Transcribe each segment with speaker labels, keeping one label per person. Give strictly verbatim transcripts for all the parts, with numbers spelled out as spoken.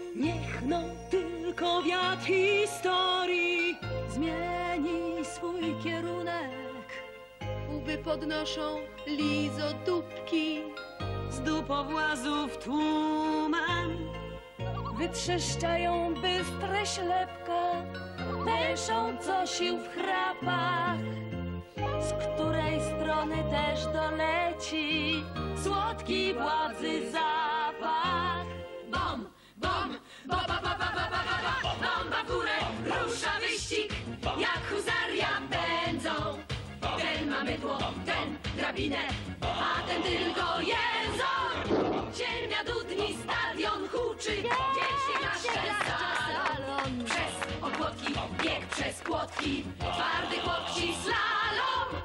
Speaker 1: Niech no tylko wiatr historii zmieni swój kierunek.
Speaker 2: Łby podnoszą lizodóbki,
Speaker 1: Z dupowłazów tłumem wytrzeszczają bystre ślepka, pęszą co sił w chrapach. Z której strony też doleci słodki władzy zapach. Bom, bom, ba, ba, ba, ba, ba, ba, ba, bomba w górę, rusza wyścig, jak huzaria pędzą. Ten ma mydło, ten drabinę, a ten tylko jęzor. Ziemia dudni, stadion huczy, dzieci nasze salon. Przez opłotki, bieg przez płotki, twardy chłopci slalom.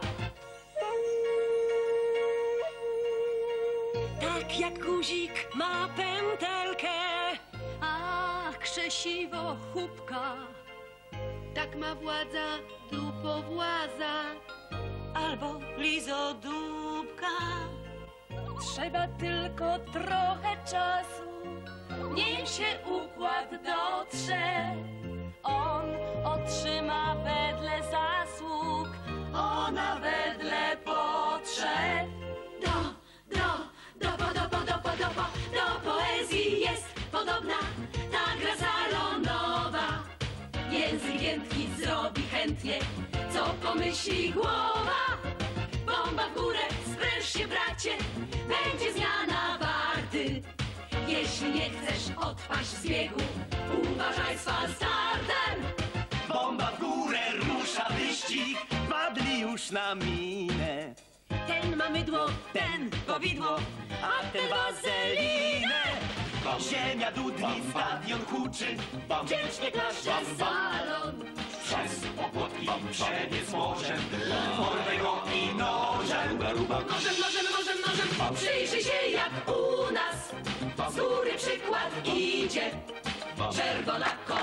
Speaker 1: Tak jak guzik ma pętelkę, a krzesiwo chłupka.
Speaker 2: tak ma władza dupowłaza.
Speaker 1: Albo lizodóbka. Trzeba tylko trochę czasu, nim się układ dotrze. On otrzyma wedle zasług, ona wedle potrzeb. Do, do, dopo, dopo, dopo, dopo, do poezji jest podobna ta gra salonowa. Język giętki zrobi chętnie, co pomyśli głowa. Bomba w górę, spręż się bracie, będzie zmiana warty. Jeśli nie chcesz odpaść z biegu, uważaj z falstartem.
Speaker 3: Bomba w górę, rusza wyścig, padli już na minę.
Speaker 1: Ten ma mydło, ten powidło, a ten wazelinę.
Speaker 3: Ziemia dudni, stadion huczy,
Speaker 1: Wdzięcznie klaszcze salon.
Speaker 3: przez opłotki przebiec morzem, formego i nożem.
Speaker 1: Nożem, nożem, nożem, nożem, przyjrzyj się jak u nas. Z góry przykład idzie, czerwona koła.